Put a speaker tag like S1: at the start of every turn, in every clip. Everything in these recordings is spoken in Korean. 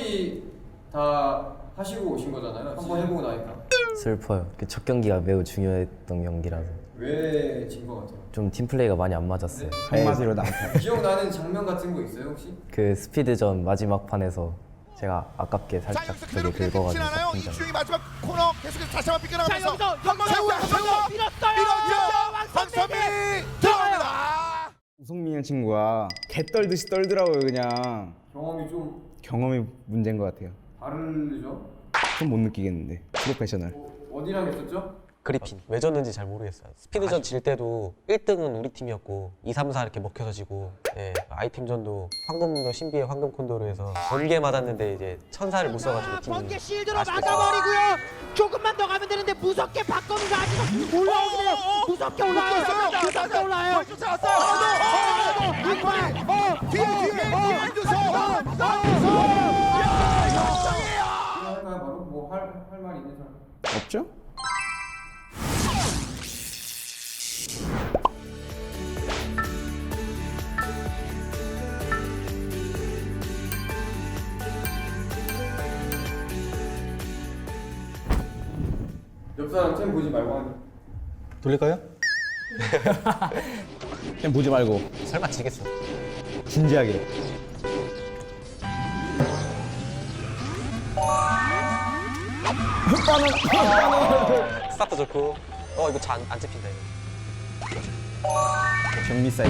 S1: 끝까지 다 하시고 오신 거잖아요. 한번 해보고 나니까.
S2: 슬퍼요. 첫 경기가 매우 중요했던 경기라서.
S1: 왜 진 거 같아요?
S2: 좀 팀플레이가 많이 안 맞았어요.
S3: 한마디로 남편.
S1: 기억나는 장면 같은 거 있어요 혹시?
S2: 그 스피드전 마지막 판에서 제가 아깝게
S4: 자,
S2: 살짝
S4: 여기서
S2: 저기
S4: 그대로
S2: 긁어가지고
S4: 끝이나요?
S2: 팀장.
S4: 이주영이 마지막 코너 계속해서 다시 한번
S5: 자
S4: 삐껴나가면서
S5: 여기서
S4: 한번 세우고 밀었죠. 황선미 들어갑니다.
S3: 우성민이라는 친구가 개 떨듯이 떨더라고요. 그냥
S1: 경험이 좀
S3: 경험이 문제인 것 같아요.
S1: 다르죠?
S3: 좀 못 느끼겠는데 프로페셔널.
S1: 어디랑 했었죠?
S6: 그리핀 왜 졌는지 잘 모르겠어요. 스피드전 질 때도 1등은 우리 팀이었고 2, 3, 4 이렇게 먹혀서 지고 예, 아이템전도 황금도 신비의 황금 콘도르에서 번개 맞았는데 이제 천사를 못 써가지고 팀이
S5: 번개 실드로
S6: 아쉽게
S5: 막아버리고요. 조금만 더 가면 되는데 무섭게 박건우가 아직 올라오긴 해요. 무섭게 올라와요. 무섭게 올라와요.
S4: 뒤에
S1: 할까요 바로? 뭐 할 말이 있는 사람?
S3: 없죠?
S1: 옆 사람 템 보지 말고 하는.
S3: 돌릴까요? 그냥 보지 말고
S6: 설마 지겠어.
S3: 진지하게.
S6: 스타트 좋고 이거 안 찍힌다 이거.
S3: 정미 사이드.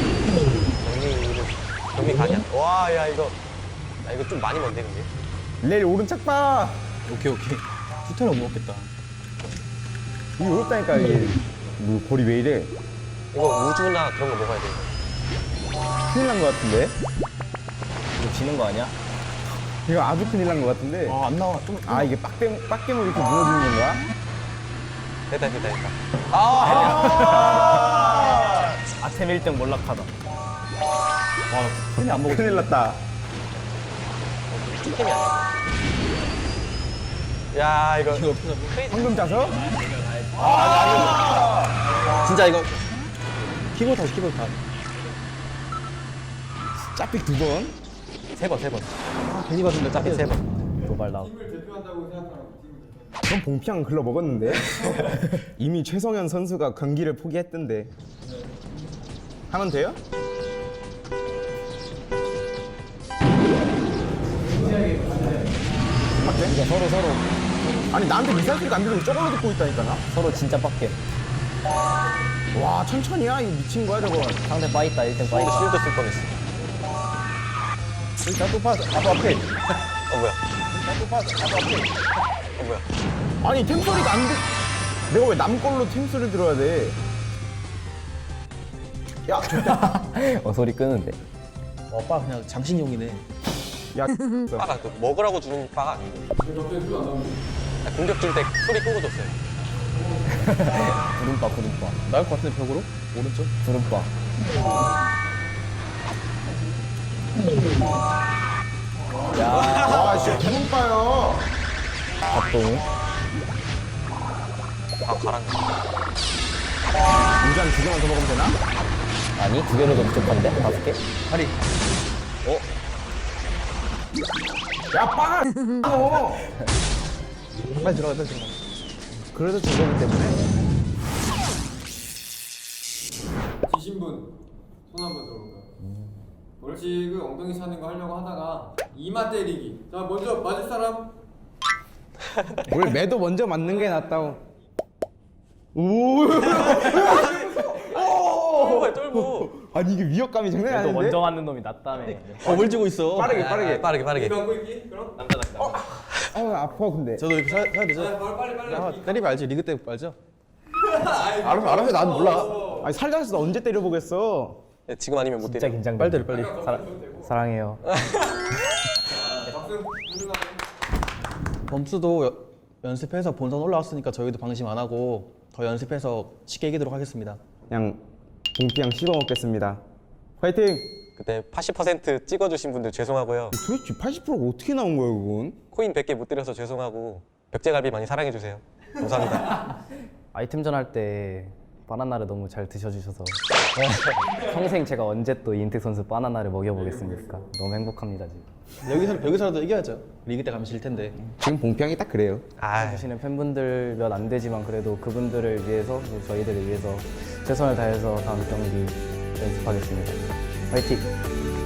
S6: 경미 가냐? 와 야 이거 좀 많이 먼데 근데.
S3: 레일 오른쪽 봐.
S7: 오케이. 슈터는 못 먹겠다.
S3: 이게 어렵다니까 이게. 뭐 거리 왜 이래?
S6: 이거 우주나 그런 거 먹어야 돼.
S3: 큰일 난 것 같은데?
S2: 이거 지는 거 아니야?
S3: 이거 아주 큰일 난 것 같은데?
S7: 아, 안 나와. 좀.
S3: 아 이게 빡겜으로 이렇게 무너지는 건가?
S6: 됐다.
S2: 아템 1등 몰락하다.
S7: 템이 안 먹어.
S3: 큰일 났다.
S6: 팀이 아니야. 야 이거
S7: 이거
S3: 황금 자석?
S7: 진짜 이거 키보드 다.
S3: 짜픽 두 번?
S7: 세 번. 아, 괜히 봤는데 짭게 세 번.
S2: 도발 나오고.
S1: 팀을 대표한다고 생각하는 팀을 대표.
S3: 전 봉피앙 글러 먹었는데? 이미 최성현 선수가 경기를 포기했던데. 하면 돼요? 맞대? 서로. 아니 나한테 미사일 소리가 안 들리고 저걸로 듣고 있다니까 나?
S2: 서로 진짜 빡게.
S3: 와 천천히야 이거 미친 거야 저거.
S2: 상대 빠있다 1등
S6: 이거
S2: 빠있다.
S6: 실드 쓸 뻔했어.
S3: 일단 또 파스. 앞에.
S6: 뭐야?
S3: 일단 또 파스. 앞에.
S6: 뭐야?
S3: 아니 템 소리가 안 들. 내가 왜 남 걸로 템 소리 들어야 돼? 야 좋다.
S2: 소리 끄는데.
S7: 오빠 그냥 장신용이네.
S3: 야.
S6: 빠가 그 먹으라고 주는 빠가 아닌데.
S1: 갑자기 소리 안 나오는데.
S6: 공격 줄 때 소리 끄고 줬어요.
S2: 구름빠.
S7: 나올 것 같은데 벽으로? 오른쪽?
S2: 구름빠.
S3: 와 진짜 기분 빠요.
S2: 박동우.
S6: 가란 거.
S3: 인간 두 개만 더 먹으면 되나?
S2: 아니 2개로도 부족한데? 5개?
S7: 다리.
S3: 야 빵아.
S7: 빨리 들어가.
S3: 그래서 저거기 때문에.
S1: 지신 분 손 한번 들어볼까요? 벌칙을 엉덩이 사는 거 하려고 하다가 이마 때리기. 자 먼저 맞을 사람.
S3: 원래 매도 먼저 맞는 게 낫다고. 오.
S6: 쫄고.
S3: 아니 이게 위협감이 장난이
S2: 또
S3: 아닌데?
S2: 먼저 맞는 놈이 낫다며.
S7: 뭘 지고 있어?
S3: 빠르게.
S6: 빠르게.
S1: 감고 있기. 그럼.
S3: 아파 근데.
S7: 저도 이렇게 사야 되죠?
S1: 바로 빨리.
S7: 아, 때리면 알지. 리그 때 알죠?
S3: 알아서 난 몰라. 아니 살자서 언제 때려보겠어.
S6: 네, 지금 아니면 못
S2: 진짜
S6: 때려.
S2: 긴장돼.
S7: 빨리 때려 빨리.
S2: 사랑해요.
S1: 박수 부르나요?
S7: 범수도 연습해서 본선 올라왔으니까 저희도 방심 안 하고 더 연습해서 쉽게 이기도록 하겠습니다.
S3: 그냥 봉피양 씹어 먹겠습니다. 화이팅!
S6: 그때 80% 찍어주신 분들 죄송하고요.
S3: 도대체 80%가 어떻게 나온 거야 그건?
S6: 코인 100개 못 드려서 죄송하고 벽제갈비 많이 사랑해주세요. 감사합니다.
S2: 아이템전 할 때 바나나를 너무 잘 드셔주셔서 평생 제가 언제 또 이인택 선수 바나나를 먹여보겠습니까? 너무 행복합니다 지금.
S7: 여기서라도 이겨야죠. 리그 때 가면 질 텐데.
S3: 지금 봉평이 딱 그래요.
S6: 아,
S2: 보시는 팬분들 몇 안 되지만 그래도 그분들을 위해서 그리고 저희들을 위해서 최선을 다해서 다음 경기 연습하겠습니다. 화이팅!